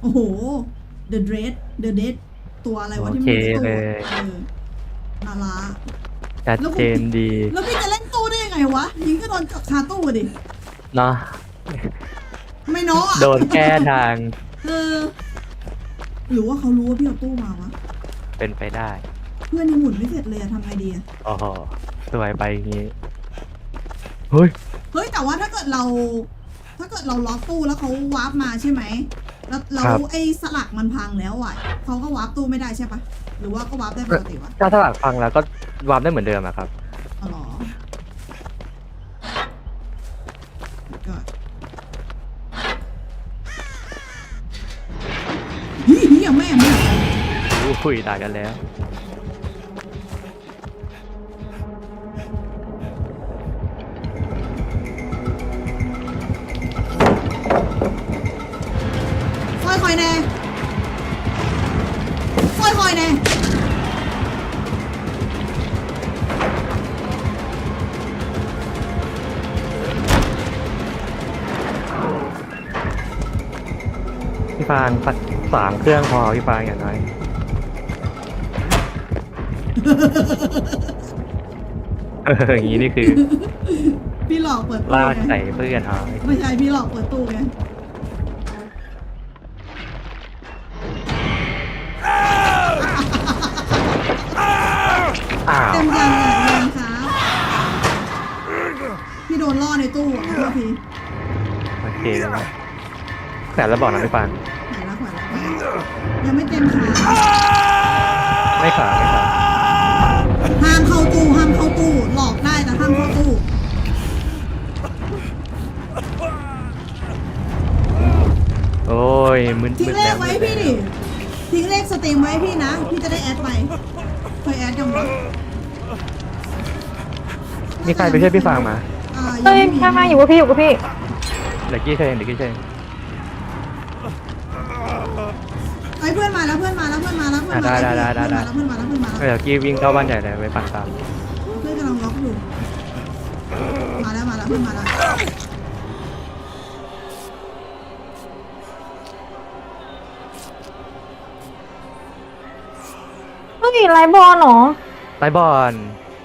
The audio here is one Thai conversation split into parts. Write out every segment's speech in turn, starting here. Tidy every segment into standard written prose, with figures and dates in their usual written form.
โอ้โห The Dread The Dead ตัวอะไรวะที่มันอยู่ในตู้นาราชัดเจนดีแล้วพี่จะเล่นตู้ได้ยังไงวะยิงก็โดนคาตู้ดิเนาะไม่เนาะโดนแก้ทางเออหรือว่าเขารู้ว่าพี่เอาตู้มาวะเป็นไปได้เพื่อนยังหมุนไม่เสร็จเลยอะทำไงดีอะโอ้โหสวยไปอย่างงี้เฮ้ยเฮ้ยแต่ว่าถ้าเกิดเราล็อกตู้แล้วเขาวาร์ปมาใช่ไหมแล้วไอ้สลักมันพังแล้วอ่ะเขาก็วาร์ปตู้ไม่ได้ใช่ปะหรือว่าก็วาร์ปได้ปกติวะถ้าสลักฟังแล้วก็วาร์ปได้เหมือนเดิมอะครับอ๋อเหรอก็เฮียแม่งคุยด่ากันแล้วคอยแน่คอยแน่พี่ฟางสัก3 เครื่องพอพี่ฟางอย่างน้อยอย่างนี้นี่คือพี่หลอกเปิดตู้ลากไงใส่เพื่อนหายไม่ใช่พี่หลอกเปิดตู้ไงอ้าวเต็มยังอ่ะยังครับพี่โดนล่อในตู้อ่ะโทษทีโอเคแต่แล้วบอกนะพี่ฟางขวานแล้วยังไม่เต็มขาไม่ขาไม่ขาห้ามเข้าตู้หลอกได้แต่ห้ามเข้าตู้โอ้ยมึนทิ้งเลแล้ขวไว้พี่ดิทิ้งเลขสตรีมไว้พี่นะพี่จะได้แอดไปเคยแอดยังวะมีใครไปช่วยพี่ฟางมาเฮ้ยข้างๆอยู่กับพี่อยู่กับพี่เดี๋ยวกี้เชนเดี๋ยวกี้เชนไอ้เพื่อนมาแล้วเพื่อนมาแล้วเพื่อนมาแล้วเพื่อนมาแล้วเพื่อนมาแล้วเพื่อนมาแล้วเดี๋ยวกี้วิ่งเข้าบ้านใหญ่เลยไปปั่นตามเพื่อนกำลังล็อกอยู่มาแล้วเพื่อนมาแล้วเฮ้ยไลฟ์บอลเหรอไล่บอล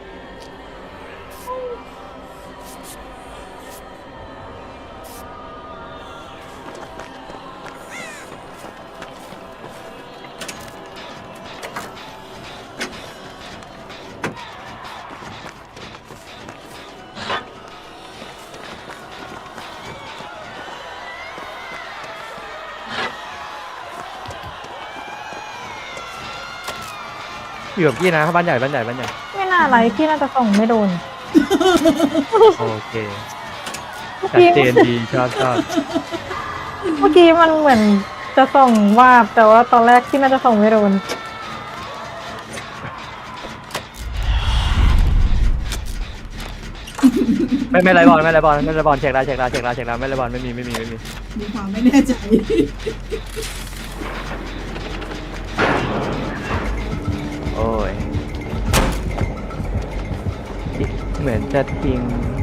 อยู่กับกี้นะบ้านใหญ่ไม่น่าไลฟ์พี่น่าจะส่งไม่โดนโอเคเมื่อชัดกี้เจนดีชอบเมื่อกี้มันเหมือนจะส่งวาบแต่ว่าตอนแรกพี่น่าจะส่งไม่โดนไม่ไรบอลเช็คแล้วไม่ไรบอลไม่มีมีความไม่แน่ใจโอ้ยเหมือนจะทิ้ง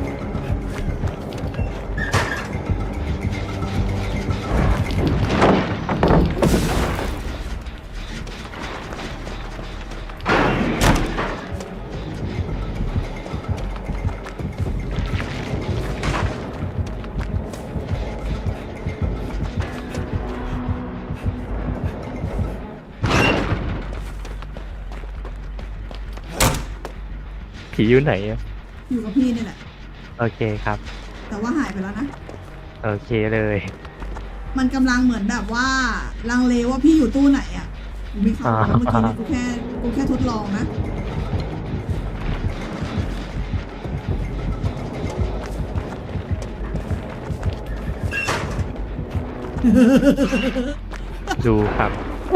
ผีอยู่ไหนอะอยู่กับพี่นี่แหละโอเคครับแต่ว่าหายไปแล้วนะโอเคเลยมันกำลังเหมือนแบบว่าลังเลว่าพี่อยู่ตู้ไหนอ่ะไม่เข้าเมื่อกี้กูแค่ทดลองนะดูครับ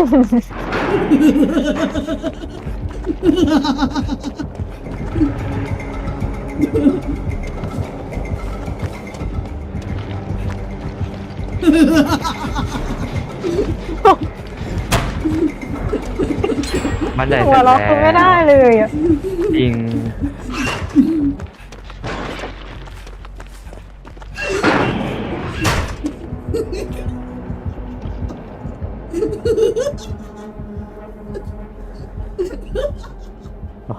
มันใหญ่หัวเสร็จเราะแล้คือไม่ได้เลยอ่ะจริง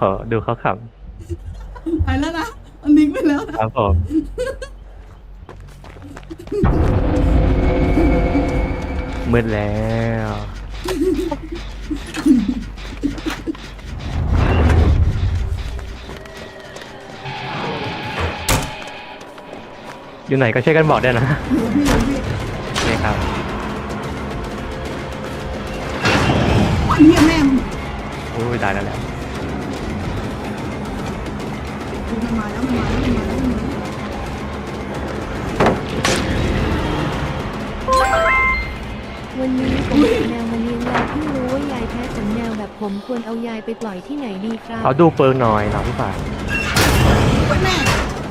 โหดูเขาขไปแล้วนะอันนิกไปแล้วำนะครับผมมืดแล้ว อยู่ไหนก็ช่วยกันบอกด้วยนะพี่นี่ครับเฮียแม่มึงอุ้ยตายแล้วแหละมันมาแล้วมันมาแล้วมันมาแล้วมันมาแล้ววันนี้ผมเอาแมวมาเลี้ยงแล้วเพิ่งรู้ว่ายายแพ้ขนแมวแบบผมควรเอายายไปปล่อยที่ไหนดีครับเขาดูเปิงหน่อยเนาะพี่ฝ่ายแม่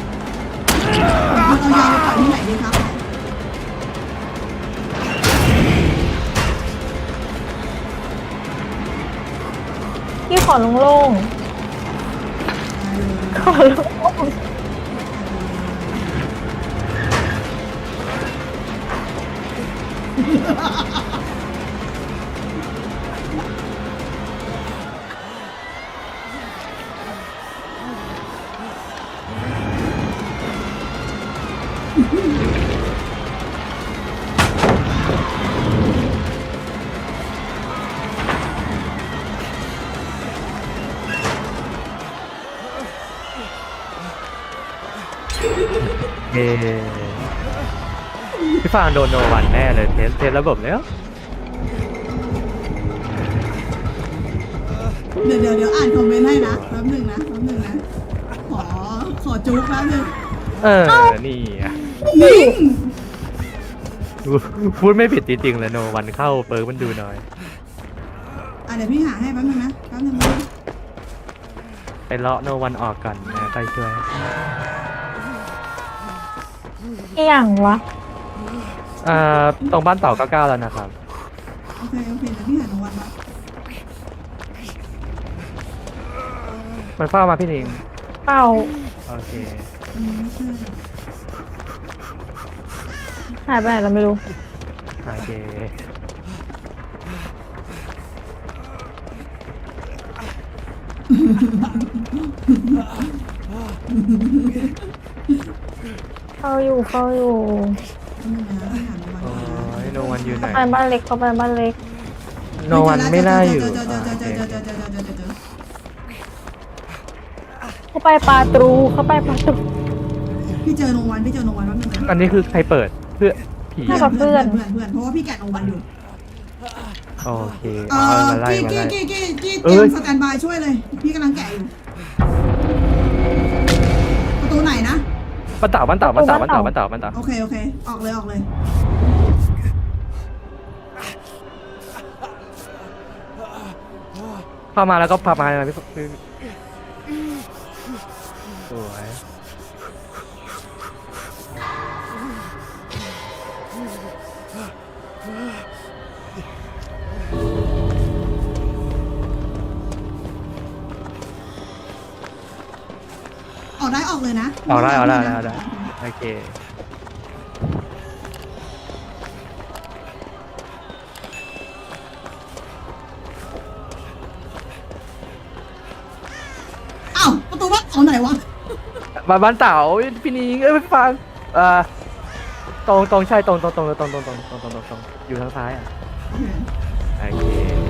เรายายไปปล่อยที่ไหนดีครับพี่ขอโล่งๆขอโล่งเย้พี่ฟางโดนโนวันแน่เลยเทสระบบแล้วเดี๋ยวอ่านคอมเมนต์ให้นะแป๊บหนึ่งนะขอจุ๊บแป๊บหนึ่งนี่อะนิ่งพูดไม่ผิดจริงๆเลยโนวันเข้าเปิงมันดูหน่อยเดี๋ยวพี่หาให้แป๊บหนึงนะแป๊บหนึงนะไปเลาะโนวันออกก่อนนะไปช่วยเอี่ยงวะตรงบ้านเต่า99แล้วนะครับโอเคเดี๋ยวพี่หาหนูวันมามันเฝ้ามาพี่นิงเป้าโอเคใช่หายไปไหนเราไม่รู้โอเคเข้าอยู่แป๊บหนึงนะพี่หาหนูวันโอ้มายโนวันอยู่ไหนไปบ้านเล็กเข้าไปบ้านเล็กโนวันไม่น่าอยู่เจอเข้าไปปลาตรูเข้าไปปลาตรูพี่เจอโนวันแป๊บหนึงนะอันนี้คือใครเปิดเพื่อผีน่าจะ เพื่อนเพราะว่าพี่แกะโนวันอยู่โอเคมาไล่มาไล่กี้เตเอ้รียยมสแตนบายช่วยเลย พี่กำลังแกะอยู่ ประตูไหนนะบ้านเต่าโอเค ออกเลยเข้ามาแล้วก็พามาพี่สวยออกได้ออกเลยนะเอาได้โอเคอ้าวประตูบ้านเอาไหนวะบ้านเต่าพี่นิงพี่ฟังตรงใช่ตรงอยู่ทางซ้ายอ่ะโอเค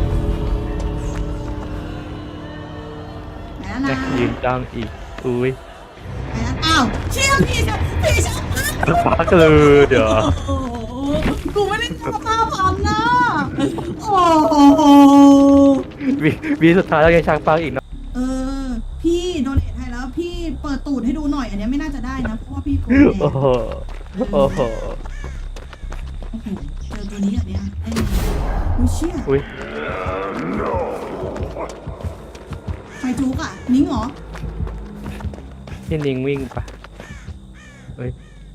ไหนแล้วนะยืนจ้องอีกอุ้ยไหนแล้วอ้าวเชี่ยพี่ชะฟักเลยเดี๋ยวโอ้โหกูไม่ได้ทำข้าวพันนะโอ้โหวีสุดท้ายแล้วยังช้างฟังอีกเนาะพี่โดเนทให้แล้วพี่เปิดตูดให้ดูหน่อยอันเนี้ยไม่น่าจะได้นะเพราะว่าพี่โกงโอ้โหโอ้โหโอ้โหเจอตัวนี้อันเนี้ยไอ้กูเชี่ยอุ้ยไฟจุกอ่ะนิ้งเหรอพี่นิงวิ่งปะเฮ้ย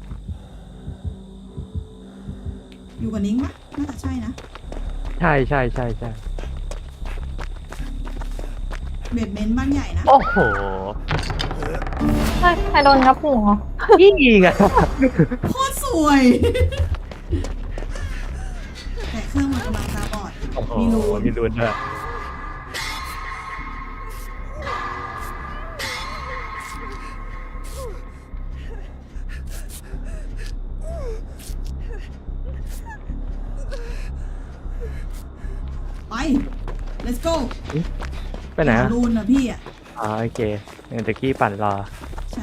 อยู่กับนิ้งปะน่าจะใช่นะใช่เบดเมนต์บ้านใหญ่นะโอ้โหใครโดนงับหัวยิงอ่ะโคตรสวย แต่เครื่องมันกำลังตาบอดโอ้โหมีรูมีรูนด้วย go ไปไหนอะรูนนะพี่อ่ะอ๋อโอเคเดี๋ยวตะกี้ปั่นรอใช่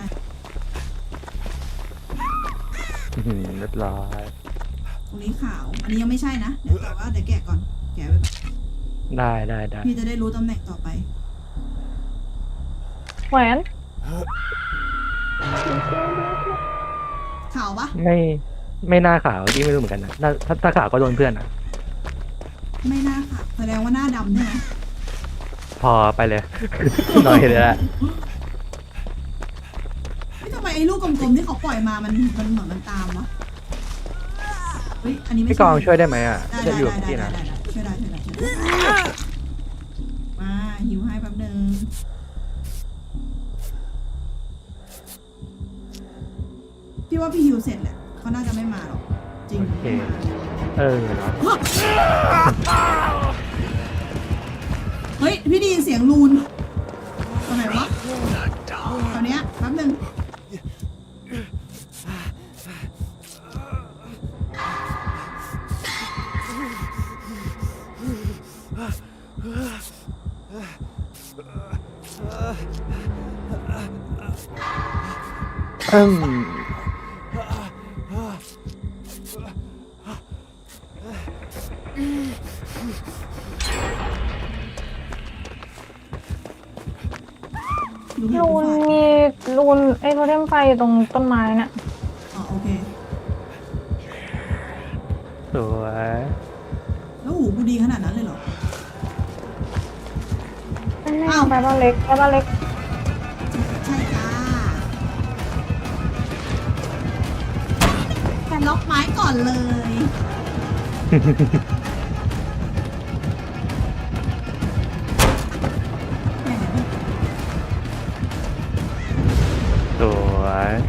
เรียบร้อยตรงนี้ขาว อันนี้ยังไม่ใช่นะ เดี๋ยวแต่ว่าเดี๋ยวแกะก่อน แกะไว้ก่อนได้พี่จะได้รู้ตำแหน่งต่อไปแหวนขาวปะไม่น่าขาวที่ไม่รู้เหมือนกันนะถ้าขาวก็โดนเพื่อนอะไม่น่าขาวแสดงว่าหน้าดำใช่ไหมพอไปเลย หน่อยเลยละไม่ทำไมไอ้ลูกกลมๆที่เขาปล่อยมามันเหมือนมันตามวะเฮ้ย อันนี้ไม่พี่ใช่กองช่วยได้ไหมอ่ะได้จะอยู่กับพี่นะช่วยได้มาหิวให้แป๊บนึงพี่ว่าพี่หิวเสร็จแหละเขาน่าจะไม่มาหรอกจริงโอเคไม่มาเนาะเฮ้ยพี่ได้ยินเสียงรูนตรงไหนวะตอนเนี้ยแป๊บนึงอืมรู้เห็นรูผู้นฝ่ายมีรูนไอ้โทเทมไฟอยู่ตรงต้นไม้เนี่ยอ๋อโอเคสวยแล้วหูกูดีขนาดนั้นเลยเหรออ้าวไปบ้านเล็กใช่จ้าแค่ล็อกไม้ก่อนเลยแหมสวย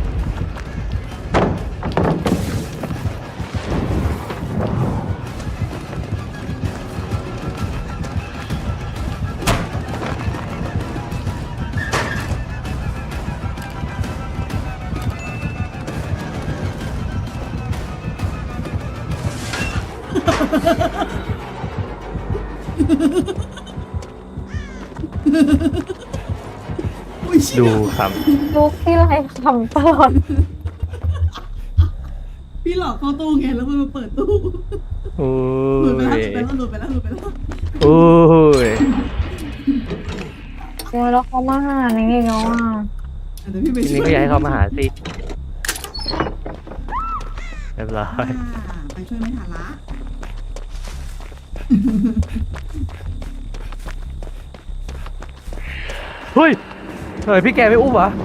อุ้ยเชี่ยดูคลูกที่ไรคำตลอดพี่หลอกเข้าตู้ไงแล้วมันมาเปิดตู้ำโอ้หลุดไปแล้วยหลุดไปแล้วโอ้ยโอ้ยแล้วเขามาหาในนี่แล้วอ่ะเดี๋ยวพี่ไปทีช่นี้วยก็อยากให้เขามาหาสิเรียบร้อยไปช่วยไม่ทันละเฮ้ยพี่แกไม่อุ้มเหรอ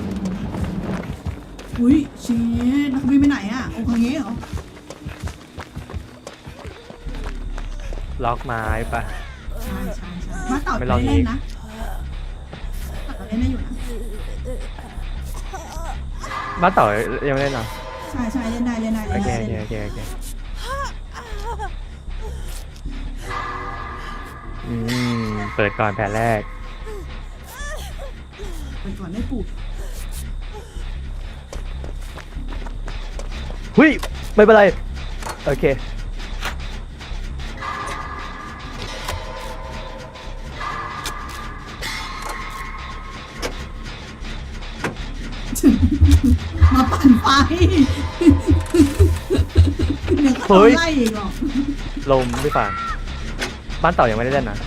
อุ้ยเชี่ยนักบินไปไหนอ่ะโอ้คงงี้เหรอล็อกไม้ปะใช่มาเต่าไม่ไม่ลองเล่นอีกนะเต่าเล่นได้อยู่นะบ้านเต่ายังไม่ได้เนาะใช่เล่นได้โอเคเล่นได้โอเคเปิดก่อนแผนแรกไปก่อนได้ปลูกเฮ้ยไม่เป็นไรโอเคมาปั่นไฟเดี๋ยวเขาโดนไล่อีกหรอกลมพี่ฟางบ้านเต่ายังไม่ได้เล่นนะ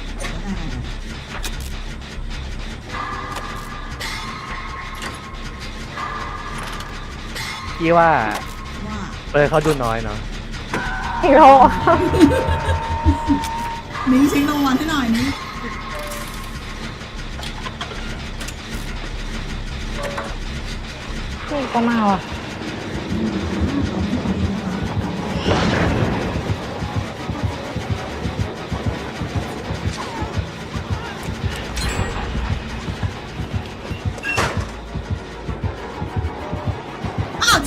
พี่ว่าว่าเขาดูน้อยเนาะอีกแล้วอ่ะนิ้งเช็ครางวัลให้หน่อยนิ้งพี่ก็มาว่ะอ้าว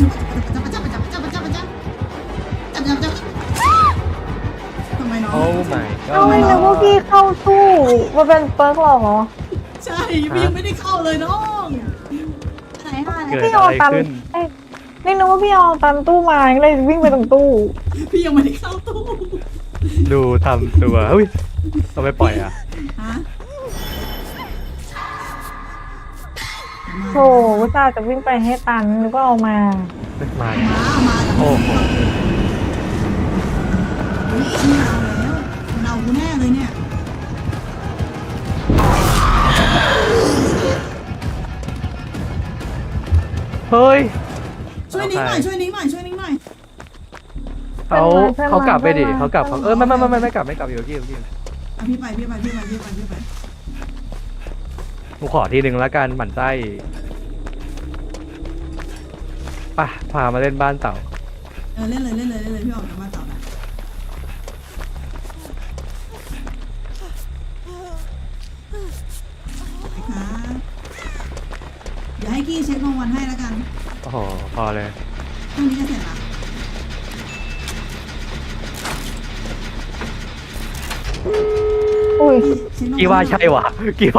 จับทำไมน้องโอ้ my เอา god ไม่นึกว่าพี่เข้าตู้มาเป็นเปิร์กหรอใช่พี่ยังไม่ได้เข้าเลยน้องไหนฮะเกิดพี่อะเอาไรตันขึ้นเอ้ยนี่นึกว่าพี่เอาตันตู้มาก็เลยวิ่งไปตรงตู้พี่ยังไม่ได้เข้าตู้ดูทำตัวเฮ้ยทำไมปล่อยอ่ะโหอุตส่าห์จะวิ่งไปให้ตันนึกว่าเอามามามาโอ้โหไม่เอาแล้วมันเอากูแน่เลยเนี่ยเฮ้ยช่วยนิ้งหน่อยช่วยนิ้งหน่อยช่วยนิ้งหน่อยเขากลับไปดิเขากลับเขาไม่กลับอยู่ที่อ่ะพี่ไปกูขอทีหนึ่งแล้วกันหมั่นไส้ป่ะพามาเล่นบ้านเต่าเล่นเลยพี่ออกจากมาต่อนะเดี๋ยวให้กี้เช็ครางวัลให้แล้วกันโอ้โหพอเลยพรุ่งนี้จะเสร็จละอุ้ยกี่ว่าใช่วะ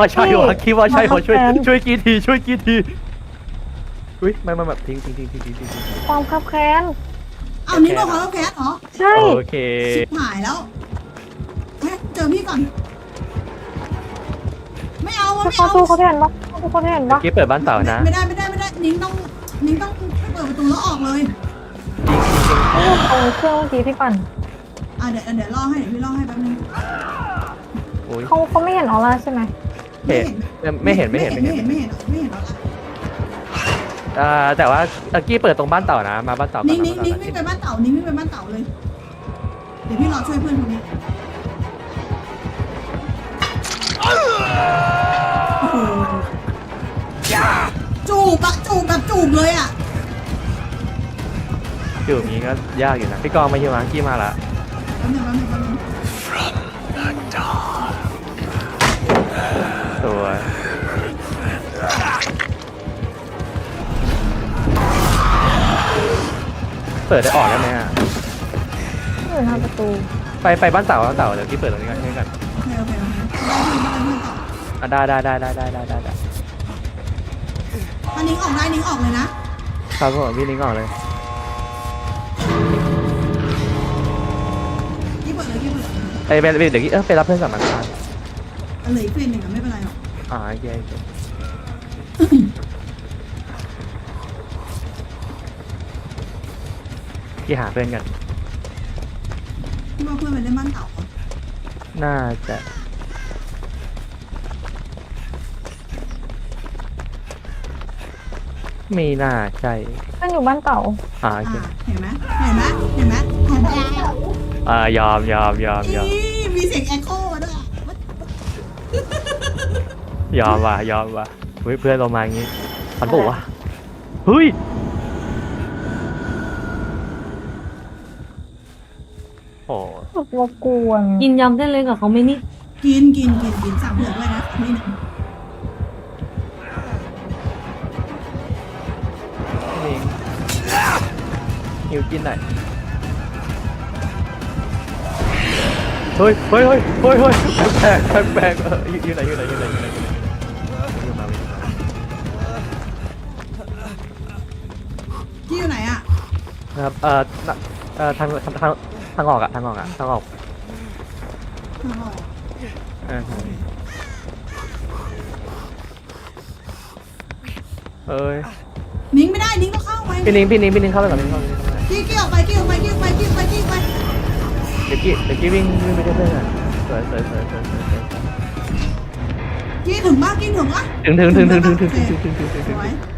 ช่วยกี่ทีอุ้ยไม่แบบทิ้งความคับแค้นเอานิ้งโดนเขาแล้วแคสเหรอใช่โอเคชิบหายแล้วเจอพี่ก่อนไม่เอาถ้าเขาสู้เขาแทนปะเขาแทนปะกี่เปิดบ้านเต่านะไม่ได้นิ้งต้องเปิดประตูแล้วออกเลยเอาเครื่องเมื่อกี้ที่ปั่นเดี๋ยวล่อให้เดี๋ยวพี่ล่อให้แป๊บนึงอุ้ยเขาไม่เห็นออร่าใช่ไหมไม่เห็นไม่เห็นหรอกแต่ว่ากี้เปิดตรงบ้านเต่านะมาบ้านเต่านิ้งวิ่งไปบ้านเต่านิ้งวิ่งไปบ้านเต่าเลยเดี๋ยวพี่รอช่วยเพื่อนคนนี้โอ้โหจูบแบบจูบเลยอ่ะอยู่อย่างนี้ก็ยากอยู่นะพี่กองมาอยู่มากี้มาละแป๊บนึงตัวเปิดได้ออกได้ไหมอ่ะไม่อยู่หน้าประตูไปบ้านเต่าเดี๋ยวกี้เปิดตรงนี้กันให้กันโอเคได้เพื่อนต่อได้ถ้านิ้งออกได้นิ้งออกเลยนะครับผมพี่นิ้งออกเลยกี้เปิดเลยไปเดี๋ยวกี้ไปรับเพื่อนกลับมาครับเหลืออีกเฟรนหนึ่งไม่เป็นไรหรอกโอเคกี้หาเพื่อนกันพี่ว่าเพื่อนไปเล่นบ้านเต่าเหรอน่าจะไม่น่าใช่เพื่อนอยู่บ้านเต่าโอเคเห็นไหมยอมมีเสียงแอคโคมาด้วยยอมว่ะเฮ้ยเพื่อนเรามาอย่างงี้พันปุ๊วะเฮ้ยโอ้รบกวนกินยำเส้นเล็กกับเขาไหม่นี่กินสั่งเผื่อด้วยนะนี่หนึ่งนี่หิวกินหน่อยเฮ้ยแปลกอยู่ไหนมากี้อยู่ไหนอ่ะนะครับทางออกอะทางออกข้างนอกเอ้ยนิ้งไม่ได้นิ้งต้องเข้าไปพี่นิ้งเข้าไปก่อนกี้ออกไปกี้ไปเดี๋ยวกี้วิ่งไปเรื่อยๆสวยกี้ถึงปะถึงสวย